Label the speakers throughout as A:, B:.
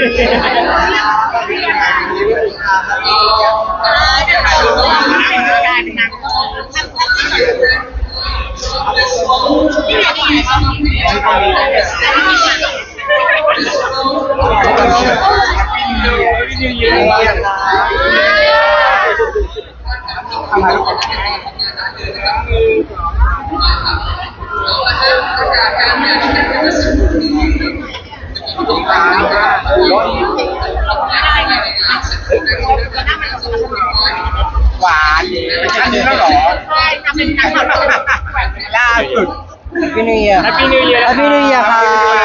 A: หวานเป็นชั้นนี้แล้วเหรอใช่ทำเป็นชั้นล่าสุด
B: Happy New Year
C: Happy New Year
B: Happy New Year ครับ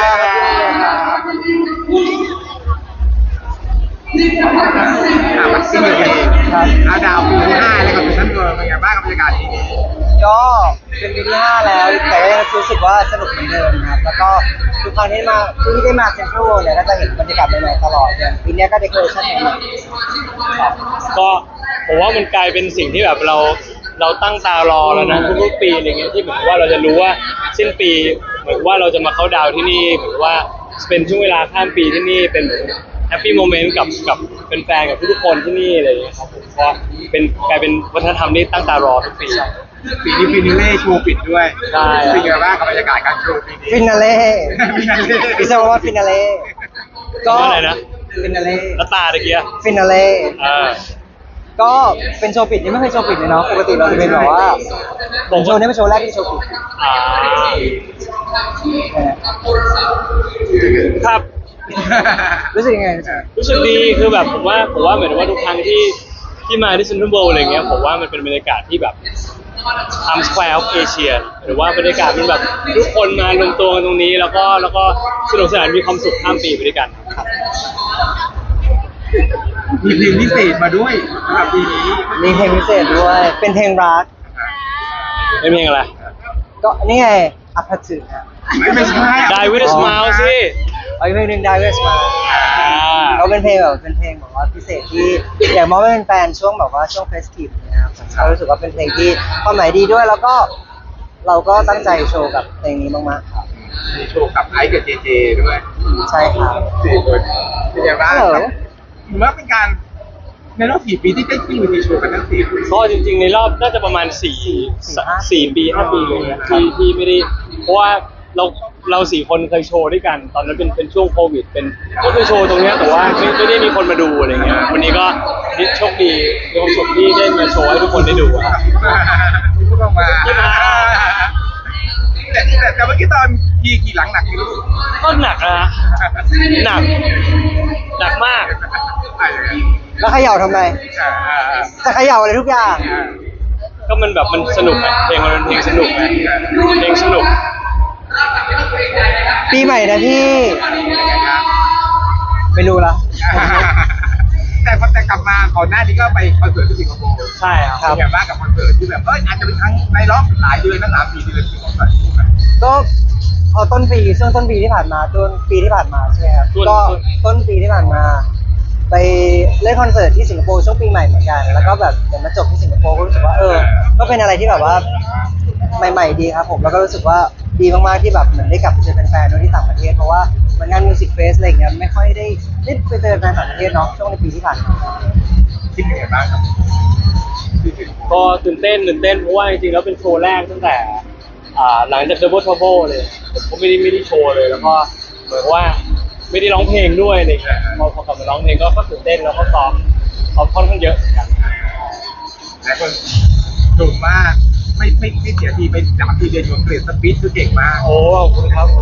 A: มันสิ้นปีครับอาดาวปีที่5แล้วก็เป็นชั้นเกินเป็นไงบ้างกับบรรยากาศปีนี้
B: ก็เป็นปีที่5แล้วแต่ก็ยังรู้สึกว่าสนุกเหมือนเดิมครับแล้วก็ทุกครั้งที่ได้มาเซ็นทรัลเนี่ยก็จะเห็นบรรยากาศใหม่ๆตลอดอย่างปีนี้ก็เดคอเรชั่นใหม่ๆ
C: ก็ผมว่ามันกลายเป็นสิ่งที่แบบเราตั้งตารอแล้วนะทุกๆปีอะไรเงี้ยที่เหมือนว่าเราจะรู้ว่าสิ้นปีเหมือนว่าเราจะมาเข้าดาวที่นี่เหมือนว่าเป็นช่วงเวลาข้ามปีที่นี่เป็นแฮปปี้โมเมนต์กับเป็นแฟนกับทุกๆคนที่นี่อะไรอย่างเงี้ยครับผมก็กลายเป็นวัฒนธรรมที่ตั้งตารอทุกปี
A: ปีนี้ฟินาเล่โชว์ปิดด้วย
C: ใช่
A: เป็นไงบ้างกับบรรยากาศการโชว์ปีนี้
B: ฟินาเล่
A: ฟินาเล่
B: พิซซ่าว่าฟินาเล่
C: ก็อะไรนะ
B: ฟินาเล่
C: แล้วตาตะเกีย
B: ฟินาเล่ก็เป็นโชว์ปิดนี่ไม่เคยโชว์ปิดเลยเนาะปกติเราจะเป็นแบบว่าผมโชว์นี้เป็นโชว์แรกที่โชว์ปิด
C: ครับ
B: รู้สึกยังไง
C: รู้สึกดีคือแบบผมว่าเหมือนว่าทุกครั้งที่มาที่เซ็นทรัลเวิลด์อะไรเงี้ยผมว่ามันเป็นบรรยากาศที่แบบTimes Square of Asia หรือว่าบรรยากาศมันแบบทุกคนมารวมตัวกันตรงนี้แล้วก็สนุกสนานมีความสุขข้ามปีไปด้วยกันครับ
A: มีเพลงพิเศษมาด้วยสำหรับปีนี้
B: มีเพลงพิเศษด้วยเป็นเพลงรัก
C: เป็นเพลงอะไร
B: ก็นี่ไงอัพถึง
A: ไม่ใช่
C: Die with a smile สิ
B: อีกเพลงหนึ่ง Die with a smile ก็เป็นเพลงแบบว่าพิเศษที่อยากมอบให้เป็นแฟนช่วงแบบว่าช่วงเฟสทีฟนะครับเรารู้สึกว่าเป็นเพลงที่ความหมายดีด้วยแล้วก็เราก็ตั้งใจโชว์กับเพลงนี้มากๆครับ
A: มีโชว์กับไอซ์กับเจเจด้วย
B: ใช่ครับ
A: 4 คนเป็นยังไงบ้างถือว่าเป็นการในรอบ4 ปีที่ได้ขึ้นเวทีโชว์กันทั้ง4 ปี
C: ก็จริงๆในรอบน่าจะประมาณ4 ปี 5 ปีเลยนะที่ไม่ได้เพราะว่าเรา4 คนเคยโชว์ด้วยกันตอนนั้นเป็นช่วงโควิดก็คือโชว์ตรงนี้แต่ว่าไม่ได้มีคนมาดูอะไรเงี้ยวันนี้ก็โชคดีมีความสุขที่ได้มาโชว์ให้ทุกคนได้ดูครับ
A: พูดออกมาแต่เมื่อกี้ตอนขี่หลังหนักอยู่
C: ก็หนักนะหนักมาก
B: แล้วเขย่าทำไมจะเขย่าอะไรทุกอย่าง
C: ก็มันแบบมันสนุกไงเพลงมันเป็นเพลงสนุกไงเพลงสนุก
B: ปีใหม่นะพี่ไม่รู้ละ
A: แต่กลับมาก่อนหน้านี้ก็ไปคอนเสิร์ตที่สิงคโปร์
C: ใช่
A: ครับเป็นไงบ้างกับคอนเสิร์ตที่แบบอาจจะเป็นครั้งในรอบหลายเดือนนะ3 4 เดือนที่คอนเสิร์ต
B: ก็พอช่วงต้นปีที่ผ่านมาใช่ไหมครับก็ต้นปีที่ผ่านมาไปเล่นคอนเสิร์ตที่สิงคโปร์ช่วงปีใหม่เหมือนกันแล้วก็แบบเดี๋ยวมาจบที่สิงคโปร์ก็รู้สึกว่าก็เป็นอะไรที่แบบว่าใหม่ๆดีครับผมแล้วก็รู้สึกว่าดีมากๆที่แบบเหมือนได้กลับไปเจอแฟนๆด้วยที่ต่างประเทศเพราะว่าเหมือนงานมิวสิกเฟสอะไรอย่างเงี้ยไม่ค่อยได้ไปเจอแฟนต่างประเทศเนาะช่วงในปีที่ผ่านมา
A: คิดยังไงบ้างครับ
C: ก็ตื่นเต้นเพราะว่าจริงๆแล้วเป็นโชว์แรกตั้งแต่หลังจาก Double Trouble เลยผมก็ไม่ได้โชว์เลยแล้วก็เหมือนว่าไม่ได้ร้องเพลงด้วยอะไรเงี้ยพอกลับมาร้องเพลงก็ตื่นเต้นแล้วก็ซ้อมค่อนข้างเยอะกัน
A: แล้วก็ดุมากไม่เสียทีไป3 4 เดือนอยู่เกรดสปีดคือเก่งมาก
C: โอ้ขอบคุณครับ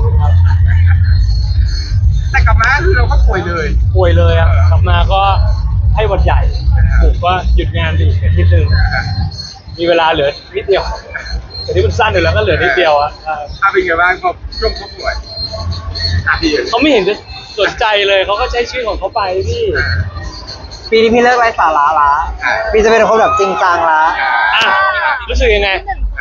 A: แต่กลับมาคือเราก็ป่วย
C: เลยอ่ะกลับมาก็ให้วันใหญ่ผมก็หยุดงานไปอีกอาทิตย์นึงมีเวลาเหลือนิดเดียวแต่ที่มันสั้นอยู่แล้วก็เหลือนิดเดียวอ่ะ
A: เป็นไงบ้างพอช่วงเขาป่วย
C: เขาไม่เห็นจะสนใจเลยเขาก็ใช้ชีวิตของเขาไปพี่
B: ปีนี้พี่เลิกไร้สาระละพี่จะเป็นคนแบบจริงจังละ
C: รู้สึกยังไง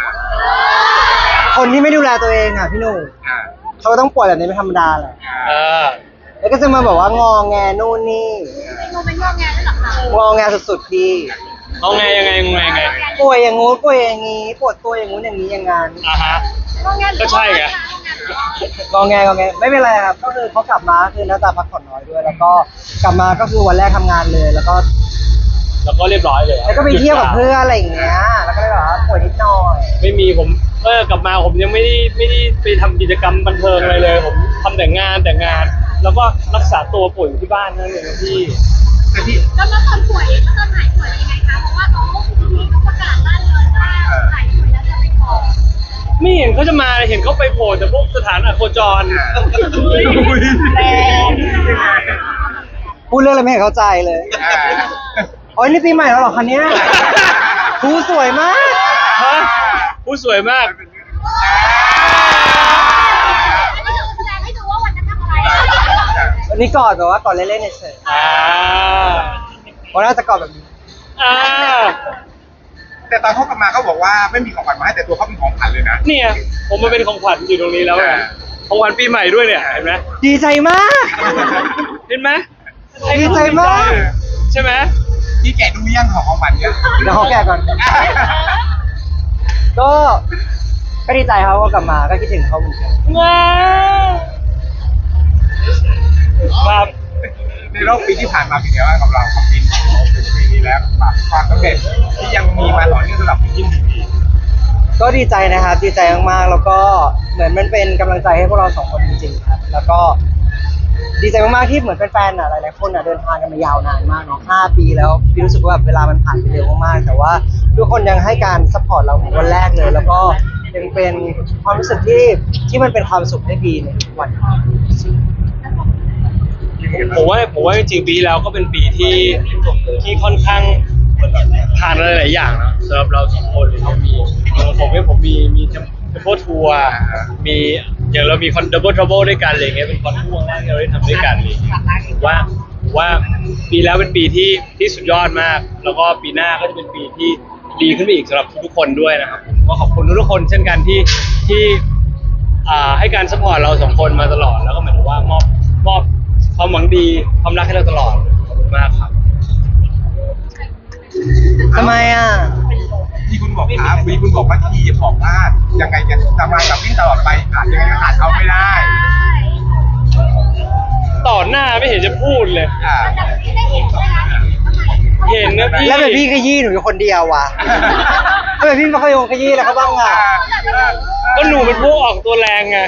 B: คนที่ไม่ดูแลตัวเองอ่ะพี่หนุ่มเขาต้องป่วยแบบนี้เป็นธรรมดาแหละแล้วก็จะมาบอกว่างอแงนู่นนี่
D: โมเป็นงอแงด้วยหรอคะ
B: งอแงสุดๆพี่
C: งอแงยังไง
B: ป่วยอย่างงู้นป่วยอย่างงี้ปวดตัวอย่างงู้นอย่างนี้อย่างงั้น
C: ก็ใช่ไง
B: งอแงไม่เป็นไรครับก็คือเขากลับมาคือน่าจะพักผ่อนน้อยด้วย แล้วก็กลับมาก็คือวันแรกทำงานเลย แล้วก็
C: แล้วก็เรียบร้อยเลย
B: แล้วก็ไปเที่ยวกับเพื่อนอะไรอย่างเงี้ยแล้วก็เลยแบบว่าป่วยนิดหน่อย
C: ไม่มีผมกลับมาผมยังไม่ได้ไปทำกิจกรรมบันเทิงอะไรเลย ผมทำแต่งานแล้วก็รักษาตัวป่วยอยู่ที่บ้านนั่นเองครับพี่
A: แต่ที่
D: แล้วตอนป่วยแล้วตอนหายป่วยยังไงคะเพราะว่าเขาทีเขาประกาศลั่นเลยว่าหายป่วยแล้วจะไปก่อน
C: ไม่เห็นเขาจะมาเห็นเขาไปโผล่แต่พวกสถานอโคจร
D: แรง
B: พูดเรื่องอะไรไม่เห็นเข้าใจเลย โอ้ยนี่ปีใหม่แล้วเหรอคะเนี้ยครูสวยมาก
C: ฮะผู้สวยมาก
D: อันนี้คือแสดงให้ดูว่าวันนั้นทำอะไร
B: วันนี้กอดแบบว่ากอดเล่นๆเฉย
C: อ่า
B: ๆวันน่าจะกอดแบบนี้
C: อ่า
A: แต่ตอนเขากลับมาเขาบอกว่าไม่มีของขวัญมาให้แต่ตัวเขาเป็นของขวัญเลยนะ
C: เนี่ยผมมาเป็นของขวัญอยู่ตรงนี้แล้วไงของขวัญปีใหม่ด้วยเนี่ยเห็นไหม
B: ดีใจมาก
C: เห็นไหม
B: ดีใจมาก
C: ใช่ไหม
A: พี่แกะดูยังของขวัญเนี่ย
B: เดี๋ยวขอแกะก่อน ก็ดีใจครับว่ากลับมาก็คิดถึงเขาเหมือนกัน
C: ว้าวครับ
A: ในรอบปีที่ผ่านมาเป็นไงบ้างกับเรากับปีนี้แล้วความสำเร็จที่ยังมีมาต่อเนื่องสำหรับยิ่งดี
B: ก็ดีใจนะครับดีใจมากๆแล้วก็เหมือนมันเป็นกำลังใจให้พวกเราสองคนจริงๆครับแล้วก็ดีใจมากๆที่เหมือนแฟนๆหลายๆคนเดินทางกันมายาวนานมากเนาะ5 ปีแล้วพี่รู้สึกว่าแบบเวลามันผ่านไปเร็วมากๆแต่ว่าทุกคนยังให้การซัพพอร์ตเราเหมือนวันแรกเลย แล้วก็ยังเป็นความรู้สึกที่มันเป็นความสุขให้พี่ในทุกวัน
C: ผมว่าจริงๆปีแล้วก็เป็นปีที่ค่อนข้างผ่านอะไรหลายอย่างนะสำหรับเราสองคนเรามีของผมมีเทมโพทัวร์มีอย่างเรามีคอนดับเบิลทรัเบิลด้วยกันอะไรเงี้ยเป็นคอนทัวร์แรกที่เราได้ทำด้วยกันเลยว่าปีแล้วเป็นปีที่สุดยอดมาก แล้วก็ปีหน้าก็จะเป็นปีที่ดีขึ้นไปอีกสำหรับทุกๆคนด้วยนะครับก็ขอบคุณทุกๆคนเช่นกันที่ให้การสปอร์ตเราสองคนมาตลอดแล้วก็เหมือนว่ามอบความหวังดีความรักให้เราตลอดขอบคุณมากครับ
B: ทำไมอ่ะ
A: ที่คุณบอกครับวีคุณบอกว่าที่บอกว่ายังไงจะทำงานกับวิ่งตลอดไปยังไงก็ขาดเขาไม่ได้
C: ต่อหน้าไม่เห็นจะพูดเลย
D: แต่ที่ได้เห็นใช่ไหม
C: เห็นนะพี่
B: แล้วแบบพี่ขยี้หนูอยู่คนเดียวว่ะแล้วแบบพี่มาขยงขยี้แล้วเขาบ้างอ่ะ
C: ก็หนูเป็นพวกออกตัวแรงไง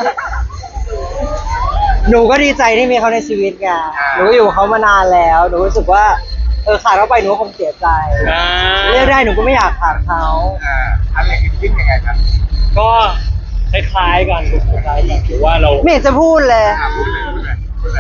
B: หนูก็ดีใจที่มีเขาในชีวิตไงหนูก็อยู่กับเขามานานแล้วหนูรู้สึกว่าขาดเขาไปหนูก็คงเสียใจเรียกได้หนูก็ไม่อยากขาดเขา
A: อะไรวิ่งยังไงครับ
C: ก็คล้ายๆกันหรือว่าเรา
B: ไม่เห็นจะพูดเลย
A: พูดเลย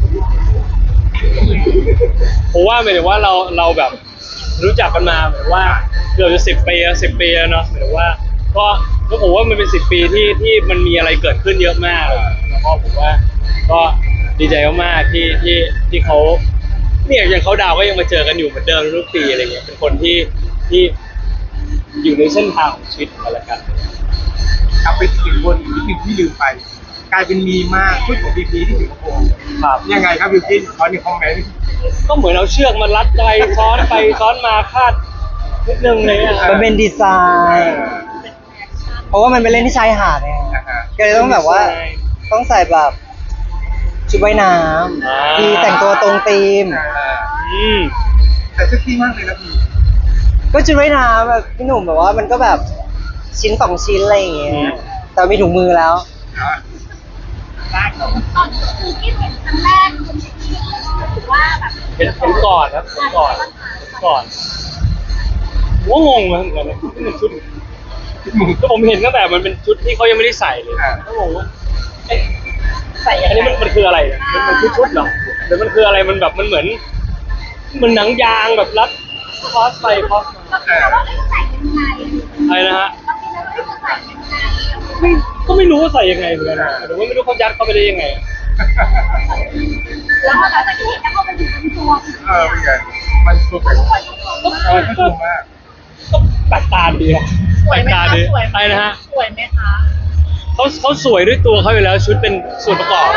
C: ผมว่าหมายถึงว่าเราแบบรู้จักกันมาเหมือนว่าเกือบจะ10 ปีแล้วเนาะหมายถึงว่าก็ผมว่ามันเป็น10 ปีที่มันมีอะไรเกิดขึ้นเยอะมากแล้วก็ผมว่าก็ดีใจมากๆที่เขาเนี่ยอย่างเขาดาวก็ยังมาเจอกันอยู่เหมือนเดิมทุกปีอะไรเงี้ยเป็นคนที่อยู่ในเส้นทางของชีวิตกันละกัน
A: เอาไปถึงบนอีกนิดนึงที่ลืมไป กลายเป็นมีมากชุดของพีพีที่สิงคโปร์
C: ครับ
A: ยังไงครับบิวกินขอหนึ่งคอมเมนต์
C: ก็เหมือนเอาเชือกมารัดไปซ้อนมาคาดนิดนึงเลยอะ
B: มันเป็นดีไซน์ เพราะว่ามันเป็นเล่นที่ชายหาดไงก็เลยต้องแบบว่าต้องใส่แบบชุดว่ายน้ำมีแต่งตัวตรงธีม
A: แต่เซ็กซี่มากเลยนะพี่
B: ก็ชุดว่ายน้ำแบบพี่หนุ่มแบบว่ามันก็แบบชิ้น2 ชิ้นอะไรอย่างเงี้ยแต่มีถุงมือแล้ว
A: ได้ครับ
D: ตอนคือที่เห็นครั้งแรกคุณที่ถือว่าแบบ
C: เป็นก่อนครับเป็นก่อนผมก็งงเหมือนกันนะนี่มันชุดก็ผมเห็นตั้งแต่มันเป็นชุดที่เขายังไม่ได้ใส่เลยก็งงว่าใส่อันนี้มันคืออะไรมันคือชุดเหรอหรือมันคืออะไรมันแบบมันเหมือนหนังยางแบบรัดคอสไปคอสมา
D: เราว่าไม่ใส่ยังไง
C: อะไรนะฮะ
D: เราคิดว่าไม่ใส่ยังไง
C: ก็ไม่รู้ว่าใส่ยังไงเหมือนกันนะหรือว่าไม่รู้เขายัดเข้าไปได้ยังไง
D: แล้วพอเราจะเห็นแล้วพอไปถึงตัว
A: เป็นไงมันสุด
D: ทุกคนทุกคน
A: มันสุดมาก
C: ก็แปลกตาดีอะแปลกตาดีอะไรนะฮะ
D: สวยไหมคะ
C: เขาสวยด้วยตัวเขาอยู่แล้วชุดเป็นส่วนประกอบ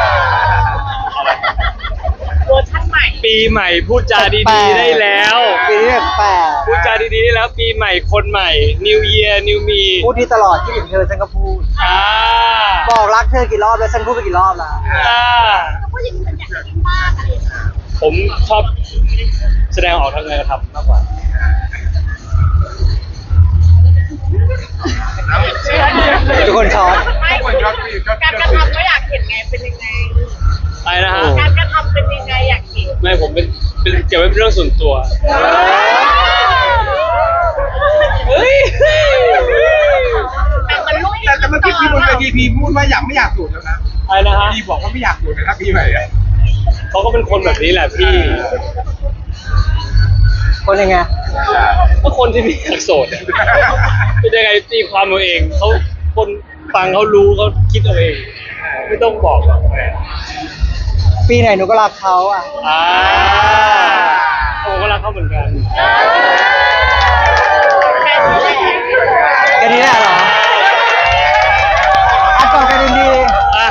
D: เวอร์ชันใหม่
C: ปีใหม่พูดจาดีๆได้แล้ว
B: ปีปีนี้แปลก
C: พูดจาดีๆแล้วปีใหม่คนใหม่ New Year New Me
B: พูดที่ตลอดที่ถึงเธอฉันก็พูด
C: อ่า
B: บอกรักเธอกี่รอบแล้วฉันพูดไปกี่รอบแล้ว
C: อ่า
D: ก็พูดอย่างนี้เหมือนอยากจะกินบ้างอะไรอย่างเงี้ย
C: ผมชอบแสดงออกทางการกระทำมากกว่า
B: ทุกคนช็อต
A: ทุกคนชอบที่ชอบ
E: การกระทำก็อยากเห็นไงเป็นยังไง
C: อะไรนะฮะ
E: การกระทำเป็นยังไงอยากเห็น
C: ไม่ผมเป็นเก็บไว้เป็นเรื่องส่วนตัว เฮ้ย
E: แต่มันลุย
A: แต่เมื่อกี้พี่บนเวทีพีพูดว่าอยากไม่อยากสูดแล้วนะ
C: อะไรนะฮะ
A: พีบอกว่าไม่อยากสูดนะครับพี่ใหม่อะ
C: เขาก็เป็นคนแบบนี้แหละพี่
B: คนยังไง
C: ก็คนที่มีอยากโสดอะเป็นยังไงตีความเอาเองเขาคนฟังเขารู้เขาคิดเอาเอง ไม่ต้องบอกหรอก
B: ปีไหนหนูก็รักเขาอ่ะ
C: อ่าผมก็รักเขาเหมือนกัน
E: แค่นี้แหละ
B: กันนี้แหละเหรออัดก่อนกันดี
C: อ่ะ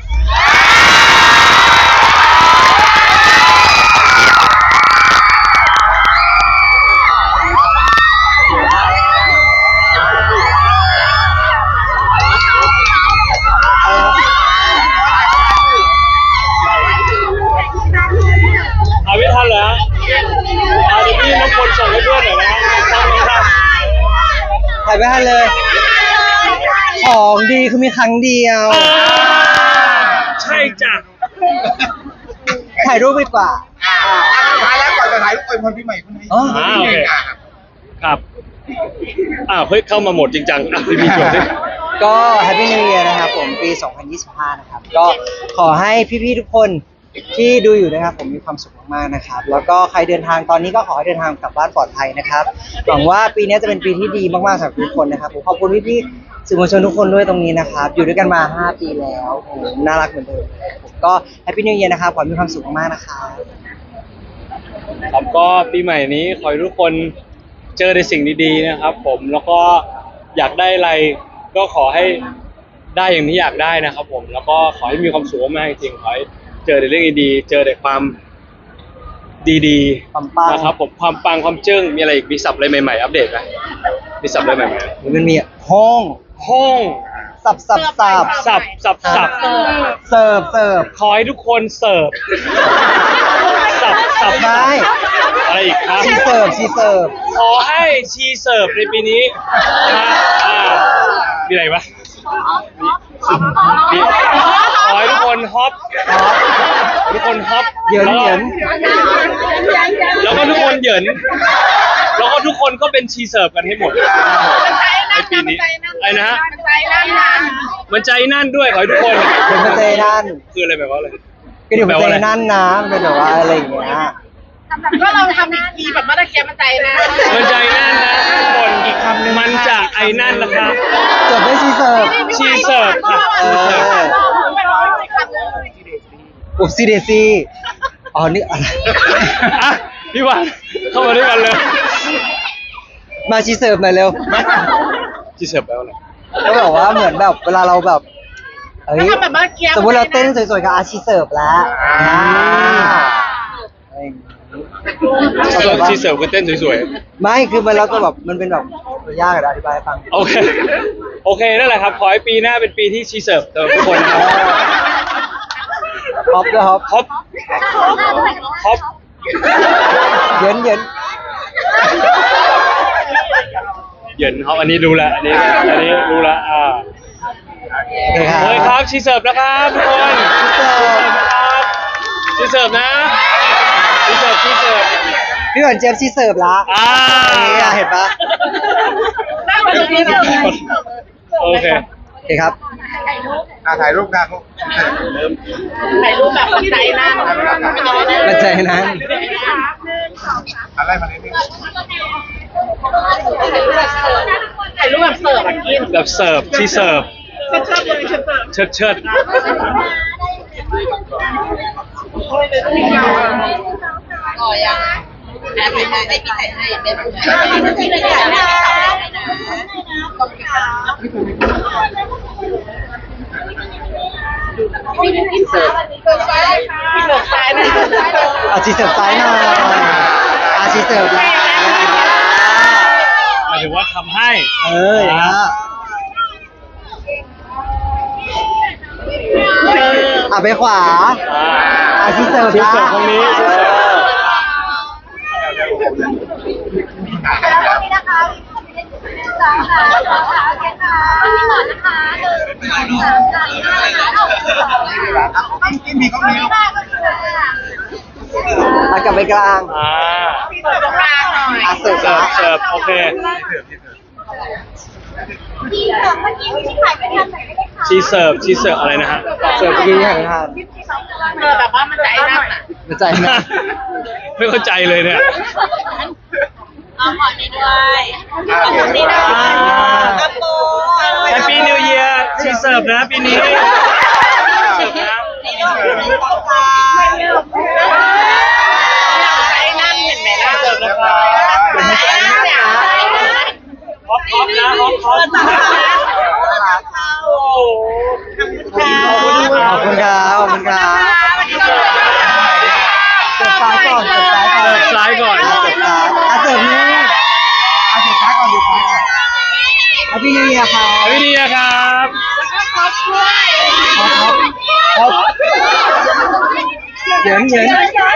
C: เอาไม่ทันเหรอฮะเอาเดี๋ยวพี่น้องคนส่งให้เพื่อนหน่อยนะฮะทำไม่ทัน
B: ๆถ่ายไม่ทันเลย ของดีคือมีครั้งเดียว
C: ใช่จ้ะ
B: ถ่ายรูปดีกว่า
A: ท้ายแล้วก่อนจะถ่ายรูปอวยพรปีใหม่คุณให้
B: อ๋อ
C: โอเคครับเฮ้ยเข้ามาหมดจริงจังอ่ะพี่จบดิ
B: ก็ Happy New Year นะครับผมปี 2025 นะครับ ก็ขอให้พี่ๆทุกคนที่ดูอยู่นะครับผมมีความสุขมากๆนะครับ แล้วก็ใครเดินทางตอนนี้ก็ขอให้เดินทางกลับบ้านปลอดภัยนะครับหวังว่าปีนี้จะเป็นปีที่ดีมากๆสำหรับทุกคนนะครับผมขอบคุณพี่ๆสื่อมวลชนทุกคนด้วยตรงนี้นะครับ อยู่ด้วยกันมา 5 ปีแล้วโอ้โหน่ารักเหมือนเดิมผมก็ Happy New Year นะครับขอให้มีความสุขมากๆนะครับ
C: ครับก็ปีใหม่นี้ขอให้ทุกคนเจอในสิ่งดีๆนะครับ ผมแล้วก็อยากได้อะไรก็ขอให้ได้อย่างที่อยากได้นะครับผมแล้วก็ขอให้มีความสุขมากจริงๆขอให้เจอแต่เรื่องดีๆเจอแต่ความดี
B: ความปัง
C: ๆนะครับผมความปังความเจิ้งมีอะไรอีกมีศัพท์อะไรใหม่ๆอัปเดตไหมมีศัพท์อะไรใหม่
B: มันมีห้อง
C: ๆห้อง
B: สับ
C: สับสับ
B: เสิร์ฟ
C: ขอให้ทุกคนเสิร์ฟสับ
B: ไม่
C: อะไรอีกครับ
B: ชีเสิร์ฟ
C: ขอให้ชีเสิร์ฟในปีนี้นะมีอะไรปะมีขอให้ทุกคนฮอปขอให้ทุกคนฮอป
B: เหยิน
C: แล้วก็ทุกคนเหยินแล้วก็ทุกคนก็เป็นชีเสิร์ฟกันให้หมดในปีนี้อะไรนะฮะ
E: มันใจนั่นนะ
C: มันใจนั่นด้วยขอให้ทุกคน
B: เดี๋ยวมันใจนั่น
C: คืออะไรแบบว่าอะไร
B: ก็เดี๋ยวมันใจนั่นนะมันเป็นแบบว่าอะไรอย่างเงี้ย
E: ก็เราทำอีกทีแบบเมื่อตะเกียบมันใจนะ
C: มันใจนั่นนะทุกคนอีกคำหนึ่งมันจะไอ้นั่นนะครับ
B: จบด้วยชีเสิร์ฟ
C: ชีเสิร์ฟค่ะ
E: ไม่ร้องเลยคำเลย
B: อุบซีเดซีอ๋อนี่อะไร
C: อ่ะพี่หวานเข้ามาด้วยกันเลย
B: มาชีเสิร์ฟหน่อยเร็ว
C: ชีเสิร์ฟแปลว่าอะไร
B: ก็แบบว่าเหมือนแบบเวลาเราแบบเอ้ย
E: ทำแบบเมื่อกี้
B: สมมติเราเต้นสวยๆกับอาชีเสิร์ฟแล้วอะไรอย่างงี้เข้าใจปะ
C: ชีเสิร์ฟคือเต้นสวย
B: ไม่คือมันเราจะแบบมันเป็นแบบยากอะอธิบายให้ฟัง
C: ๆโอเคโอเคนั่นแหละครับขอให้ปีหน้าเป็นปีที่ชีเสิร์ฟสำหรับทุกคนนะครับ
B: ฮอปด้วยฮอป
C: ฮอปฮอป
B: เย็น
C: เหยินฮอปอันนี้รู้ละอันนี้รู้ละ
B: โอเคครับ
C: เฮ้ยครับชีเสิร์ฟนะครับทุกคนชีเสิร์ฟนะชีเสิร์ฟ
B: พี่หวานเจี๊ยบชีเสิร์ฟละ นี่อะเห็นปะ
E: นั่งมาตรงนี้เลย
C: โอเค
B: โอเคครับ
A: ถ่ายรูปกันลูก
E: ถ่ายรูปแบบใจนั่น
B: มันใจนั้น
A: อะไรมาเนี่ย
E: ถ่ายรูปแบบเสิร์ฟอ่ะกิน
C: แบบเสิร์ฟชีเสิร์ฟ
E: ชอบเลยฉันเสิร์ฟ
C: เชิดเชิด
E: อ๋อยังแอบถ่ายให้พี่ถ่ายให้แม่ผู้ชายที่ไม่ได้ถ่ายให้อินเสิร์ฟซ้ายนะ
B: เอาชีเสิร์ฟซ้ายหน่อยอาชีเสิร์ฟละ
C: ถึงว่าทำให้
B: อย่างนั้นอ่ะไปขวาชีเสิร์ฟ
C: ชีเสิร์ฟตรงนี้ชีเสิร์ฟ
D: แล้วนี่นะคะสามค่ะโอเคค่ะพี่ก่อนนะคะ
A: กินมีก็มี
B: กลับไปกลาง
E: เปิดตรงกลางหน่อย
B: เสิร์ฟ
C: เสิร์ฟโอเค
D: ที่เมื่อกี้ที่ถ่ายไปทำไหนไม่ได้ค่ะ
C: ชีเสิร์ฟอะไรนะฮะ
B: เสิร์ฟที่หันทาน
E: แบบว่ามันจะไอ้นั่นอ่ะ
B: มาใจนะ
C: ไม่เข้าใจเลยเนี่ย
E: เอาหมอนนี้ด้วยตรงนี้ด้วยกระโปรง
C: แฮปปี้นิวเยียร์ชีเสิร์ฟนะปีนี้เสิร์ฟนะ
E: นี่ด้วยไอ้นั่นเห็นไหมล่ะ
C: เสิร์ฟนะครับ
E: ไอ้นั่นเนี่ย
C: ฮอปนะฮอป
E: โอ้ขอบคุณค่ะ
B: ขอบคุณครับเสิร์ฟซ้ายก่อนเสิร์ฟซ้ายก่อน
C: เสิร์ฟซ้ายก่อน
B: เสิร์ฟซ้ายเสิร์ฟนี่
A: สุดท้ายก่อนสุดท้ายก่อน
B: พี่นิวเยียร์ครับ
C: แฮปปี้นิวเยียร์ครับ
B: เหยิน
C: ไม่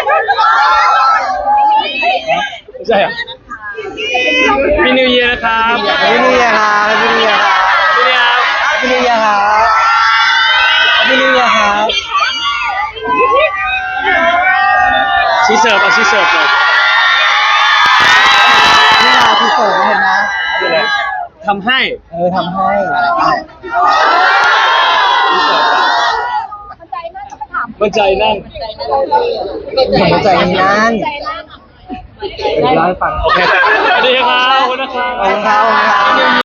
C: ใช่เหรอพี่นิวเยียร์นะครับ
B: พี่นิวเยียร์ครับพี่นิวเยียร์ครับ
C: พี่นิวเยียร์
B: พี่นิวเยียร์ครับ
C: ชีเสิร์ฟชีเสิร์ฟเลย
B: นี่เราที่เสิร์ฟเห็นไหม
C: นี่แหละทำให้
B: ทำให้
C: มั่นใจนั่ง
B: หัวใจนั้นเล่าให้ฟัง
C: โอเคสวัสดีครับขอบคุณนะครับ
B: ขอบคุณครับ